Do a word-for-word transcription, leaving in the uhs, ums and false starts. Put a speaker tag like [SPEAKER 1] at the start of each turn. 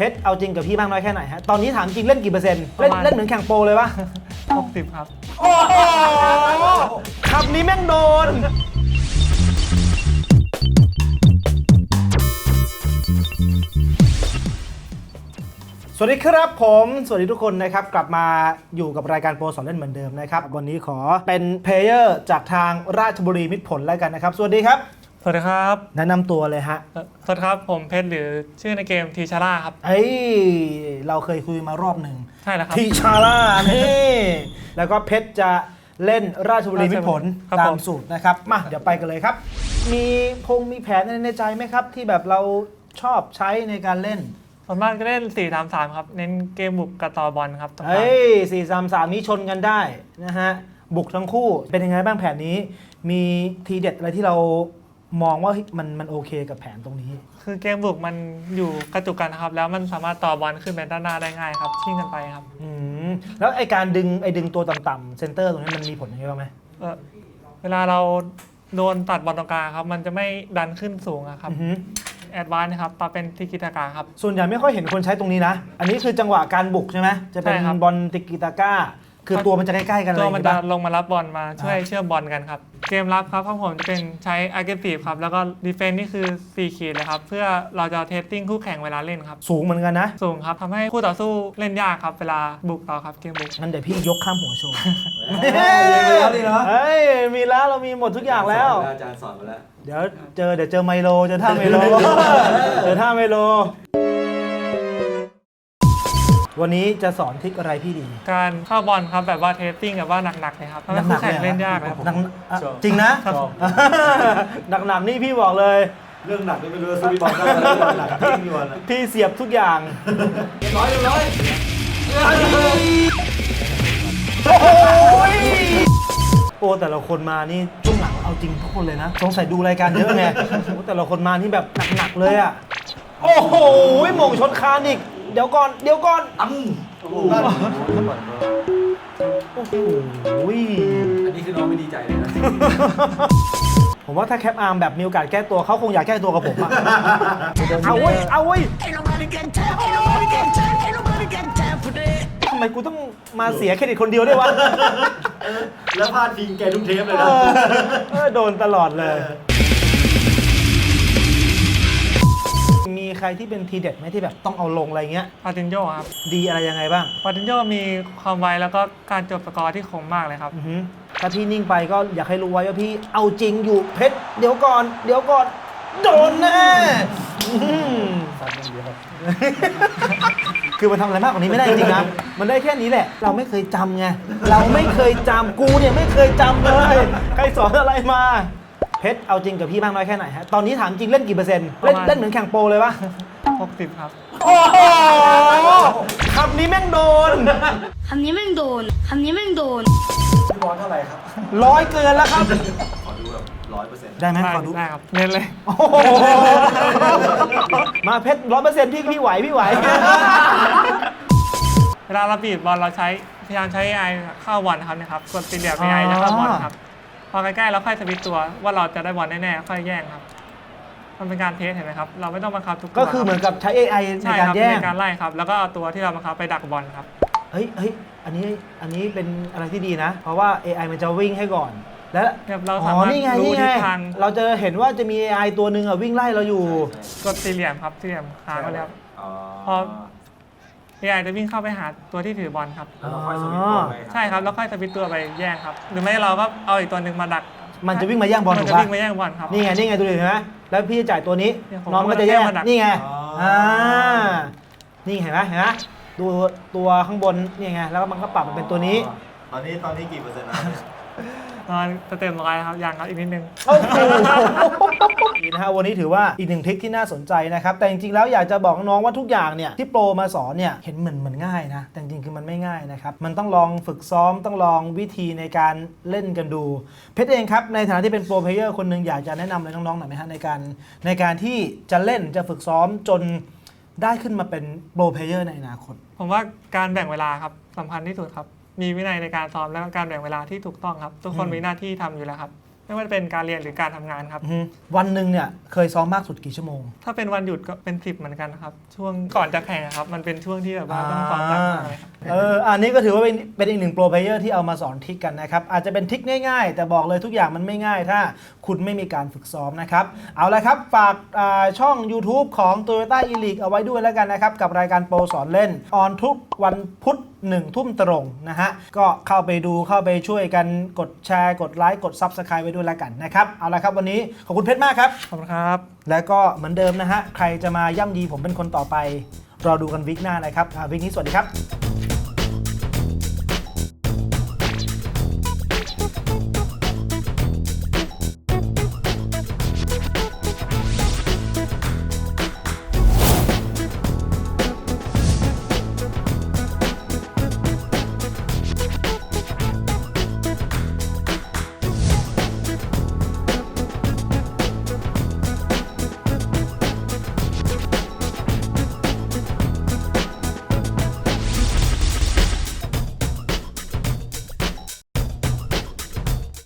[SPEAKER 1] เพชรเอาจริงกับพี่มากน้อยแค่ไหนฮะตอนนี้ถามจริงเล่นกี่เปอร์เซ็นต์เล่นเล่นเหมือนแข่งโปรเลยปะ
[SPEAKER 2] หกสิบครับ
[SPEAKER 1] โอ้โหคำนี้แม่งโดนสวัสดีครับผมสวัสดีทุกคนนะครับกลับมาอยู่กับรายการโปรสอนเล่นเหมือนเดิมนะครับวันนี้ขอเป็นเพลเยอร์จากทางราชบุรีมิตรผลแล้วกันนะครับสวัสดีครับ
[SPEAKER 2] สวัสดีครับ
[SPEAKER 1] แนะนำตัวเลยฮะ
[SPEAKER 2] สวัสดีครับผมเพชรหรือชื่อในเกมทีชาร่าครับ
[SPEAKER 1] เอ้ยเราเคยคุยมารอบหนึ่ง
[SPEAKER 2] ใช่แล้วครับ
[SPEAKER 1] ทีชาร่านี่แล้วก็เพชรจะเล่นราชบุรีมิตรผลตามสูตรนะครับมาเดี๋ยวไปกันเลยครับมีพงมีแผนในใจไหมครับที่แบบเราชอบใช้ในการเล่น
[SPEAKER 2] ส่วนมากก็เล่น สี่ สาม สาม ครับเน้นเกมบุกกับต่อบอลครับ
[SPEAKER 1] เอ้ย สี่ สาม สาม นี้ชนกันได้นะฮะบุกทั้งคู่เป็นยังไงบ้างแผนนี้มีทีเด็ดอะไรที่เรามองว่ามันมันโอเคกับแผนตรงนี้
[SPEAKER 2] คือเกมบุกมันอยู่กระจุกกันนะครับแล้วมันสามารถต่อบอลขึ้นไปด้านหน้าได้ง่ายครับชิ่งกันไปครับ
[SPEAKER 1] อืมแล้วไอการดึงไอดึงตัวต่ำๆเซนเตอร์ตรงนี้มันมีผลยังไงบ้างไหม
[SPEAKER 2] เออเวลาเราโดนตัดบอลตรงกลางครับมันจะไม่ดันขึ้นสูงครับแอดวานซ์นะครับปาเป็นติกิตากาครับ
[SPEAKER 1] ส่วนใหญ่ไม่ค่อยเห็นคนใช้ตรงนี้นะอันนี้คือจังหวะการบุกใช่ไหมจะเป็นบอลติกิตากาคือตัวมันจะใกล้ๆกันเลย
[SPEAKER 2] ตัวมันจะลงมารับบอลมาช่วยเชื่อมบอลกันครับเกมรับครับของผมจะเป็นใช้ aggressive ครับแล้วก็ defense นี่คือสี่ขีดเลยครับเพื่อเราจะเทสติ้งคู่แข่งเวลาเล่นครับ
[SPEAKER 1] สูงเหมือนกันนะ
[SPEAKER 2] สูงครับทำให้คู่ต่อสู้เล่นยากครับเวลาบุกต่อครับเกมบุก
[SPEAKER 1] งั้นเดี๋ยวพี่ยกข้ามหัวโชว์
[SPEAKER 3] เฮ้
[SPEAKER 1] ยมีแล้วเรามีหมดทุกอย่างแล้ว
[SPEAKER 3] อาจารย์สอนมาแล้ว
[SPEAKER 1] เดี๋ยวเจอเดี๋ยวเจอไมโลเจอท่าไมโลเจอท่าไมโลวันนี้จะสอนทริคอะไรพี่ดี
[SPEAKER 2] การเข้าบอลครับแบบว่าเทสติ้งแบบว่าหนักๆเลยครับทำให้คู่แข่งเล่นยากครับ
[SPEAKER 1] จริงนะหนักๆนี่พี่บอกเลย
[SPEAKER 3] เรื่องหนักนี่ไม่รู้สู้พี่บอลได้หนักจริงอยู่นะ
[SPEAKER 1] พี่เสียบทุกอย่าง
[SPEAKER 3] ร้อยร้อย
[SPEAKER 1] โอ้แต่ละคนมานี่ช่วงหลังเอาจริงทุกคนเลยนะสงสัยดูรายการเยอะไงแต่ละคนมานี่แบบหนักๆเลยอ่ะโอ้โหหม่งชนคานอีกเดี๋ยวก่อนเดี๋ยวก่อน
[SPEAKER 3] อ้ำโอ้โห
[SPEAKER 1] โอ้โห
[SPEAKER 3] อันนี้คือน้องไม่ดีใจเลยนะ
[SPEAKER 1] ผมว่าถ้าแคปอาร์มแบบมีโอกาสแก้ตัวเขาคงอยากแก้ตัวกับผมอะเอาเว้ยเอาเว้ยทำไมกูต้องมาเสียเครดิตคนเดียวด้วยวะ
[SPEAKER 3] แล้วพลาดพิงแกทุกเทปเลยนะ
[SPEAKER 1] โดนตลอดเลยมีใครที่เป็นทีเด็ดไหมที่แบบต้องเอาลงอะไรเงี้ย
[SPEAKER 2] ปาตินโยครับ
[SPEAKER 1] ดีอะไรยังไงบ้าง
[SPEAKER 2] ปาตินโยมีความไวแล้วก็การจบสกอร์ที่คมมากเลยครับ
[SPEAKER 1] ถ้าพี่นิ่งไปก็อยากให้รู้ไว้ว่าพี่เอาจริงอยู่เพชรเดี๋ยวก่อนเดี๋ยวก่อนโดนแน่คือมันทำอะไรมากกว่านี้ไม่ได้จริงๆนะมันได้แค่นี้แหละเราไม่เคยจำไงเราไม่เคยจำกูเนี่ยไม่เคยจำเลยใครสอนอะไรมาเพชรเอาจริงกับพี่มากน้อยแค่ไหนฮะตอนนี้ถามจริงเล่นกี่เปอร์เซ็นต์เล่นเล่นเหมือนแข่งโปรเลยปะ
[SPEAKER 2] หกสิบครับ
[SPEAKER 1] โอ้โหคำนี้แม่งโดน
[SPEAKER 4] คำนี้แม่งโดนคำนี้แม่งโดน
[SPEAKER 3] พี่บอลเท่าไหร่ครับ
[SPEAKER 1] ร้อยเกินแล้วครับ
[SPEAKER 3] ขอดูแบบร้อยเปอร์เซ็นต์
[SPEAKER 1] ได้ไหมขอดู
[SPEAKER 2] ได้ครับเน้นเลย
[SPEAKER 1] มาเพชรร้อยเปอร์เซ็นต์พี่พี่ไหวพี่ไหว
[SPEAKER 2] เวลาเราบีบบอลเราใช้พยายามใช้ เอ ไอ เข้าบอลครับนะครับกดตีเหลี่ยม เอ ไอ จะเข้าบอลครับพอใกล้ๆแล้วค่อยสวิตตัวว่าเราจะได้บอลแน่ๆค่อยแย่งครับมันเป็นการเทสเห็นไหมครับเราไม่ต้องบังคับทุกตัว
[SPEAKER 1] ก็คือเหมือนกับใช้ เอ ไอ ในการแย่ง
[SPEAKER 2] ในการไล่ครับแล้วก็เอาตัวที่เราบังคับไปดักบอลครับ
[SPEAKER 1] เฮ้ยเฮ้ยอันนี้อันนี้เป็นอะไรที่ดีนะเพราะว่า เอ ไอ มันจะวิ่งให้ก่อนแล้ว
[SPEAKER 2] เราสามารถรู้ทิศทาง
[SPEAKER 1] เราจะเห็นว่าจะมี เอ ไอ ตัวหนึ่งอ่ะวิ่งไล่เราอยู่
[SPEAKER 2] กดสี่เหลี่ยมครับสี่เหลี่ยมค้างไว้แล้วพอ เอ ไอ จะวิ่งเข้าไปหาตัวที่ถือบอลครับใช่ครับแล้วค่อยสวิตตัวไปแย่งครับหรือไม่เราก็เอาอีกตัวหนึ่งมาดัก
[SPEAKER 1] มันจะวิ่งมาแย่งบอลถูก
[SPEAKER 2] ป่ะมันจะวิ่งมาแย่งบอลครับ
[SPEAKER 1] นี่ไงนี่ไงดูดิเห็นไหมแล้วพี่จะจ่ายตัวนี้น้องก็จะแย่งนี่ไงอ่านี่เห็นไหมเห็นไหมดูตัวข้างบนนี่ไงแล้วมันก็ปรับมาเป็นตัวนี้
[SPEAKER 3] ตอนนี้ตอนนี้กี่เปอร์เซ็นต์นะ
[SPEAKER 2] ตอนเต็มร้อยครับยังครับอีกนิดนึง
[SPEAKER 1] โอ้โหนะฮะวันนี้ถือว่าอีกหนึ่งทริคที่น่าสนใจนะครับแต่จริงๆแล้วอยากจะบอกน้องว่าทุกอย่างเนี่ยที่โปรมาสอนเนี่ยเห็นเหมือนเหมือนง่ายนะแต่จริงๆคือมันไม่ง่ายนะครับมันต้องลองฝึกซ้อมต้องลองวิธีในการเล่นกันดูเพชรเองครับในฐานะที่เป็นโปรเพลเยอร์คนหนึ่งอยากจะแนะนำอะไรน้องๆหน่อยไหมฮะในการในการที่จะเล่นจะฝึกซ้อมจนได้ขึ้นมาเป็นโปรเพลเยอร์ในอนาคต
[SPEAKER 2] ผมว่าการแบ่งเวลาครับสำคัญที่สุดครับมีวินัยในการซ้อมและการแบ่งเวลาที่ถูกต้องครับทุกคนมีหน้าที่ทำอยู่แล้วครับไม่ว่าจะเป็นการเรียนหรือการทำงานครับ
[SPEAKER 1] อือฮึวันหนึ่งเนี่ยเคยซ้อมมากสุดกี่ชั่วโมง
[SPEAKER 2] ถ้าเป็นวันหยุดก็เป็นสิบเหมือนกันครับช่วงก่อนจะแข่งครับมันเป็นช่วงที่แบบว่าต้องซ้อมหนักมากเลยครับ
[SPEAKER 1] เอออันนี้ก็ถือว่าเป็นเป็นอีกหนึ่งโปรเพลเยอร์ที่เอามาสอนทริคกันนะครับ อาจจะเป็นทริคง่ายๆ แต่บอกเลยทุกอย่างมันไม่ง่ายถ้าคุณไม่มีการฝึกซ้อมนะครับ เอาละครับ ฝากอ่าช่อง YouTube ของ Toyota e-league เอาไว้ด้วยแล้วกันนะครับ กับรายการโปรสอนเล่น ออนทุกวันพุธหนึ่งทุ่มตรงนะฮะ ก็เข้าไปดูเข้าไปช่วยกันกดแชร์กดไลค์กด Subscribe ไว้ด้วยแล้วกันนะครับ เอาละครับวันนี้ขอบคุณเพชรมากครับ
[SPEAKER 2] ขอบคุณครับ
[SPEAKER 1] แล้วก็เหมือนเดิมนะฮะใครจะมาย่ำยีผมเป็นคนต่อไปรอดูกันวิกหน้านะครับอ่าวิกนี้สวัสดีครับ